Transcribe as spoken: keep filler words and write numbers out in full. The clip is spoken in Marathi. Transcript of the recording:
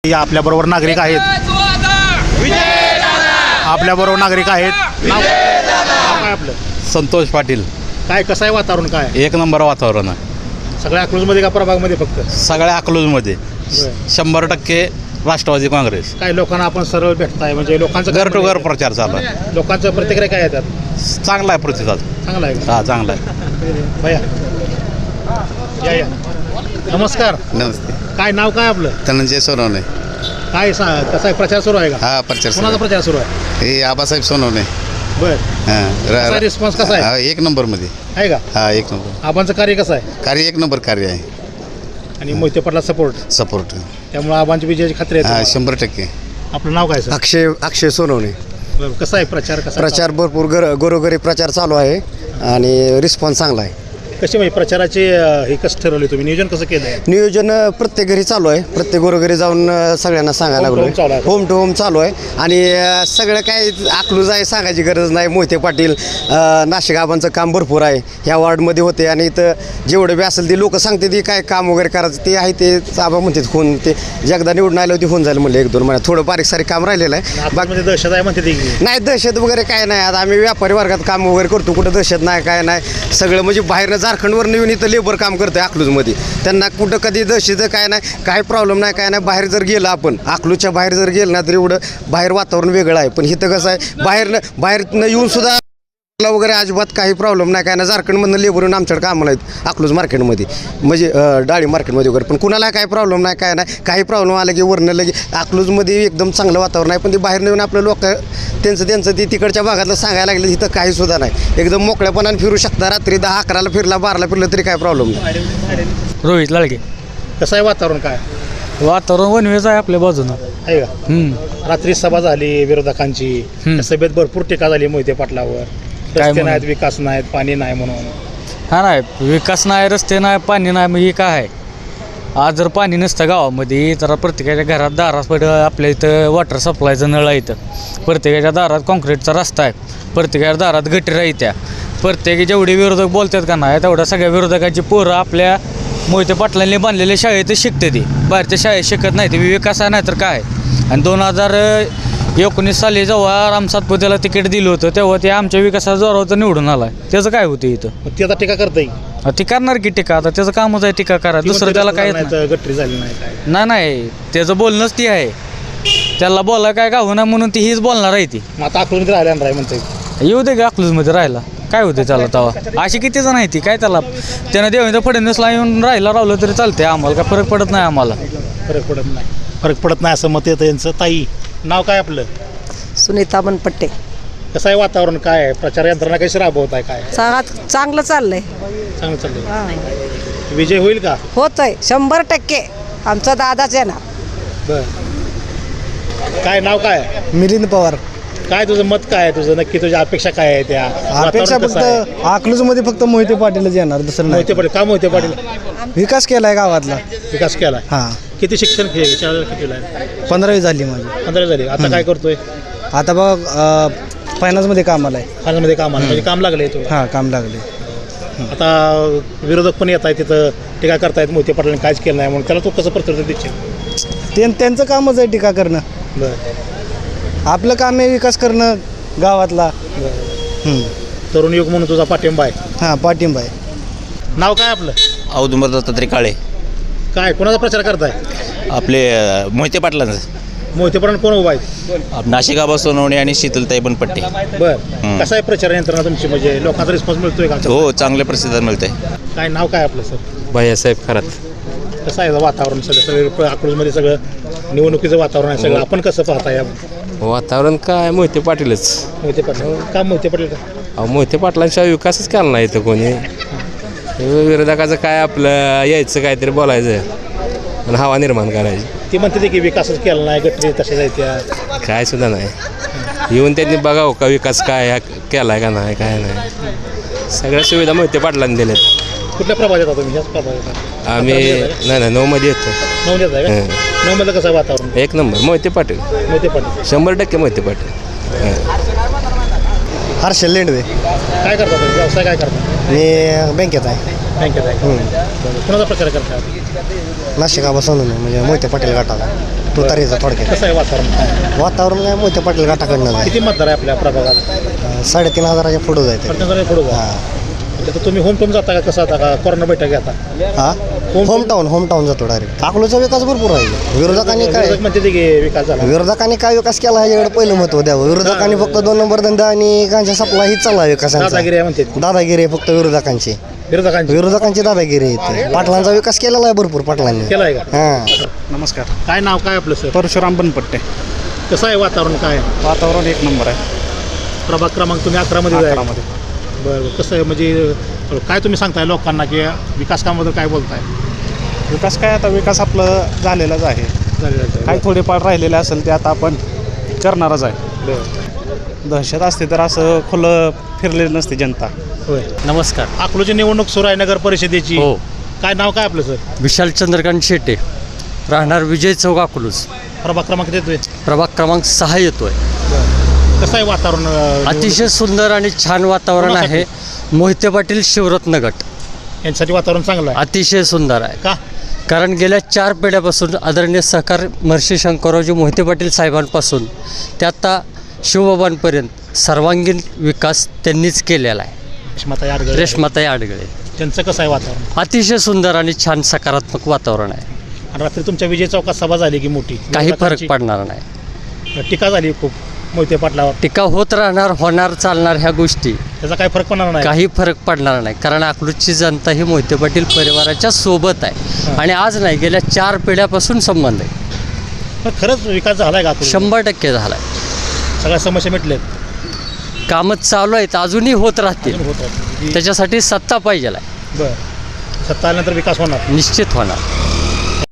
आपल्याबरोबर नागरिक आहेत आपल्याबरोबर नागरिक आहेत नाव नाव काय आपलं? संतोष पाटील. काय कसं आहे वातावरण? काय एक नंबर वातावरण आहे सगळ्या अकलूजमध्ये का प्रभागमध्ये फक्त? सगळ्या अकलूजमध्ये शंभर टक्के राष्ट्रवादी काँग्रेस. काय लोकांना आपण सरळ भेटताय म्हणजे लोकांचं घर टू घर प्रचार चालू आहे. लोकांचं प्रतिक्रिया काय येतात? चांगला आहे प्रतिसाद. चांगला आहे का? हा चांगला आहे. भैया या या नमस्कार. नमस्ते. काय नाव काय आपलं? धनंजय सोनवणे. काय सा कसा आहे प्रचार सुरू आहे का? हा प्रचार कोणाचा प्रचार सुरू आहे? हे आबासाहेब सोनवणे. बर हां रिस्पॉन्स कसा आहे? हा, एक नंबरमध्ये आहे का? हा एक नंबर आबांचं कार्य कसं आहे? कार्य एक नंबर कार्य आहे. आणि मोहिते पाटला सपोर्ट सपोर्ट त्यामुळे आबांची विजयाची खात्री आहे हा तुम्हाला? शंभर टक्के. आपलं नाव काय सर? अक्षय अक्षय सोनवणे. बरं, कसं आहे प्रचार? कसा आहे? प्रचार भरपूर घर घरोघरी प्रचार चालू आहे आणि रिस्पॉन्स चांगला आहे. कसे म्हणजे प्रचाराचे अं, हे कसं ठरवले तुम्ही? नियोजन कसं केलं आहे? नियोजन अ, प्रत्येक घरी चालू आहे. प्रत्येक घरोघरी जाऊन अ, सगळ्यांना सांगायला Home to home चालू लागलो. आहे. होम टू होम चालू आहे आणि अ, सगळं काय अकलूज आहे सांगायची गरज नाही. मोहिते पाटील अ, नाशिक आबांचं काम भरपूर आहे. ह्या वॉर्डमध्ये होते आणि इथं जेवढं बी असेल ते लोक सांगते ती काय काम वगैरे करायचं ते आहे ते आबा म्हणतात होऊन ते जगदा निवडून आलं होती होऊन झालं म्हणलं एक दोन महिन्यात थोडं बारीक सारीक काम राहिलेलं आहे. बाकी म्हणजे दहशत आहे म्हणते ती. नाही दहशत वगैरे काय नाही. आता आम्ही व्यापारी वर्गात काम वगैरे करतो कुठं दहशत नाही काय नाही. सगळं म्हणजे बाहेरनं झारखंडवर येऊन इथं लेबर काम करतोय अकलूजमध्ये. त्यांना कुठं कधी दहशत काय नाही काय प्रॉब्लेम नाही काय नाही. बाहेर जर गेलं आपण अकलूजच्या बाहेर जर गेलं ना तर एवढं बाहेर वातावरण वेगळं आहे. पण इथं कसं आहे बाहेरनं बाहेरनं येऊन सुद्धा वगैरे अजिबात काही प्रॉब्लेम नाही काय ना. झारखंडमधनं लेबर येऊन आमच्याकडे कामाला आहेत अकलूज मार्केटमध्ये म्हणजे अं, डाळी मार्केटमध्ये वगैरे. पण कुणाला काही प्रॉब्लेम नाही काय नाही. काही प्रॉब्लेम आला की वरनं लगे अकलूजमध्ये एकदम चांगलं वातावरण आहे. पण ते बाहेर येऊन आपलं लोक त्यांचं त्यांचं ते तिकडच्या भागातलं सांगायला लागलं तिथं काही सुद्धा नाही. एकदम मोकळ्यापणाने फिरू शकता. रात्री दहा अकराला फिरला बाराला फिरलं तरी काय प्रॉब्लेम नाही. रोहित लालगे. कसं आहे वातावरण? काय वातावरण वनवेज आहे आपल्या बाजूनं. आहे का? हम्म. रात्री सभा झाली विरोधकांची. हम्म. त्या सभेत भरपूर टीका झाली मोहिते पाटलावर. काय रस्ते म्हणून? नाहीत, विकास नाहीत, पाणी नाही म्हणून. हा नाही विकास नाही रस्ते नाही पाणी नाही मग हे काय आहे. आज जर पाणी नसतं गावामध्ये तर प्रत्येकाच्या घरात दारात पड आपल्या इथं वॉटर सप्लायचं नळ आहे. इथं प्रत्येकाच्या दारात कॉन्क्रीटचा रस्ता आहे. प्रत्येकाच्या दारात गटर आहे. त्या प्रत्येक जेवढे विरोधक बोलतात का नाही तेवढ्या सगळ्या विरोधकांची पोरं आपल्या मोहिते पाटलांनी बांधलेल्या शाळेतच शिकते ती. बाहेरच्या शाळेत शिकत नाही ती. विकास आहे नाही तर काय. आणि दोन हजार एकोणीस साली जेव्हा राम सातपुतेला तिकीट दिलं होतं तेव्हा ते आमच्या विकासाच्या जोरावर निवडून आला. त्याचं काय होतं इथं? मग ती आता टीका करता येईल. ती करणार की टीका. आता त्याचं कामच आहे टीका करा. दुसरं त्याला काय गट्टी झाली नाही काय. नाही नाही त्याचं बोलणंच ती आहे. त्याला बोला काय का होणार म्हणून ती हीच बोलणार आहे ती. मग आता अकलूजमध्ये राहिल्या राय म्हणते. येऊ दे का अकलूजमध्ये राहिला काय होते त्याला तवा. अशी किती जण आहे ती काय त्याला त्यानं देवेंद्र फडणवीसला येऊन राहिला राहिलं तरी चालते. आम्हाला काय फरक पडत नाही. आम्हाला फरक पडत नाही. फरक पडत नाही असं मत येतं यांचं. ताई नाव काय आपलं? सुनीता बनपट्टे. कसं आहे वातावरण? काय आहे प्रचार यंत्रणा कशी राबवत आहे? काय चांगला चांगलं चाललंय. चांगलं चाललंय. विजय होईल का? होतंय शंभर टक्के. आमचा दादाच आहे ना. बर काय नाव काय? मिलिंद पवार. काय तुझं मत काय आहे? तुझं नक्की तुझ्या अपेक्षा काय आहे? त्या अपेक्षा वातावरण कसं आहे? फक्त अकलूजमध्ये फक्त मोहिते पाटीलच येणार दुसरं नाही. मोहिते पाटील का? मोहिते पाटील विकास केलाय गावातला. विकास केला. हां किती शिक्षण फी आहे? शाळेला कितीला आहे? पंधरावी झाली माझी. पंधरा झाली. आता काय करतोय? आता बघ फायनान्समध्ये कामाला आहे. फायनान्समध्ये काम आलं म्हणजे काम लागलंय तुला. हां काम लागले. आता विरोधक पण येत आहेत तिथं टीका करतायत मोहिते पाटलांनी काहीच केलं नाही म्हणून. त्याला तू कसं प्रत्युत्तर देशील? ते त्यांचं कामच आहे टीका करणं. बरं आपलं काम आहे विकास करणं गावातला. हं. तरुण युग म्हणून तुझा पाठिंबा आहे. हां पाठिंबा आहे. नाव काय आपलं? औदुंबर दत्तात्रय काळे. काय कोणाचा प्रचार करताय? आपले मोहिते पाटलांचं. मोहिते पाटील कोण उभा आहेत? नाशिक आबा सोनवणे आणि शीतलताई बनपट्टे. बर कसं आहे प्रचार यंत्रणा तुमची? म्हणजे लोकांचा रिस्पॉन्स मिळतोय का? हो चांगले प्रतिसाद मिळते. काय नाव काय आपलं सर? भैयासाहेब खरात. कसं आहे वातावरण? सगळं सगळं अकलूजमध्ये सगळं निवडणुकीचं वातावरण आहे सगळं. आपण कसं पाहताय? वातावरण काय मोहिते पाटीलच. मोहिते पाटील का? मोहिते पाटील का? अहो मोहिते पाटलांशिवाय विकासच केला नाही इथं कोणी. विरोधकाचं काय आपलं यायचं काहीतरी बोलायचं आणि हवा निर्माण करायची. ती म्हणते की विकासच केला नाही, गटरी तशाच आहेत त्या. काय सुद्धा नाही. येऊन त्यांनी बघावं का विकास काय केला आहे का नाही काय नाही. सगळ्या सुविधा मोहिते पाटलांनी दिल्यात. कुठल्या प्रभागात येतात तुम्ही? ह्याच प्रभागात आम्ही नाही नाही नऊमध्ये येतो. नऊ देत आहे का? नऊ मध्ये कसं आहे वातावरण? एक नंबर मोहिते पाटील. मोहिते पाटील शंभर टक्के मोहिते पाटील. हर्षल लेंडवे. काय करता तुम्ही? व्यवसाय काय करता? मी बँकेत आहे. बँकेत आहे. कुणाचा प्रचार करता? नाशिक आबा सोनवणे म्हणजे मोहिते पाटील गटाला. तुतारीचा थोडक्यात. कसं आहे वातावरण? वातावरण काय मोठ्या पाटील गटाकडनं आहे. किती मतदार आहे आपल्या प्रभागात? साडेतीन हजाराच्या पुढं जायचं. पटकन पुढे जा. तर तुम्ही होम टून जाता का कसं आता का कोरोना बैठक घेता? हा होम टाऊन होम टाऊन जातो डायरेक्ट. अकलूजचा विकास भरपूर आहे. विरोधकांनी काय विरोधक म्हणते ते की विकास झाला. विरोधकांनी काय विकास केला ह्याच्याकडे पहिलं महत्व द्यावं. विरोधकांनी फक्त दोन नंबर धंदा आणि गांजा सप्लाय हीच चालला विकासाचा. दादागिरी आहे म्हणते. दादागिरी आहे फक्त विरोधकांची. विरोधकांची विरोधकांची दादागिरी आहे इथे. पाटलांचा विकास केलेला आहे भरपूर पाटलांनी. केलाय का? हा नमस्कार. काय नाव काय आपलं सर? परशुराम बनपट्टे. कसं आहे वातावरण? काय वातावरण एक नंबर आहे प्रभाग क्रमांक तुम्ही अकरा मध्ये आहे? अकरामध्ये. बरं कसं आहे म्हणजे काय तुम्ही सांगताय लोकांना की विकास कामाबद्दल काय बोलताय? विकास काय आता विकास आपलं झालेलाच आहे. काय थोडेफार राहिलेले असेल ते आता आपण करणारच आहे. बरं. दहशत असते तर असं खुलं फिरलेलं नसते जनता. होय. नमस्कार. अकलूजची निवडणूक सुरू आहे नगर परिषदेची. हो. काय नाव काय आपलं सर? विशाल चंद्रकांत शेटे, राहणार विजय चौक अकलूज. प्रभाग क्रमांक देतोय. प्रभाग क्रमांक सहा येतोय. कसं आहे वातावरण? अं, अतिशय सुंदर आणि छान वातावरण आहे. मोहिते पाटील शिवरत्न गट यांच्यासाठी वातावरण चांगलं आहे. अतिशय सुंदर आहे. का? कारण गेल्या चार पिढ्यापासून आदरणीय सहकार महर्षी शंकररावजी मोहिते पाटील साहेबांपासून ते आता शिवबाबांपर्यंत सर्वांगीण विकास त्यांनीच केलेला आहे. रेश्माताई आडगळे. रेश्माताई आडगळे. त्यांचं कसं आहे वातावरण? अतिशय सुंदर आणि छान सकारात्मक वातावरण आहे. आणि रात्री तुमच्या विजय चौकात सभा झाली की मोठी काही फरक विरोधकांची पडणार नाही. टीका झाली खूप मोहिते पाटलावर. टीका होत राहणार, होणार, चालणार ह्या गोष्टी. त्याचा काय फरक पडणार नाही? काही फरक पडणार नाही. कारण अकलूजची जनता ही मोहिते पाटील परिवाराच्या सोबत आहे आणि आज नाही, गेल्या चार पिढ्यापासून संबंध आहे. पण खरंच विकास झालाय का अकलूजला? शंभर टक्के झाला आहे. सगळ्या समस्या मिटल्यात. कामं चालू आहेत, अजूनही होत राहतील. अजून होत आहे. त्याच्यासाठी सत्ता पाहिजे आहे. बरं. सत्ता आल्यानंतर विकास होणार. निश्चित होणार.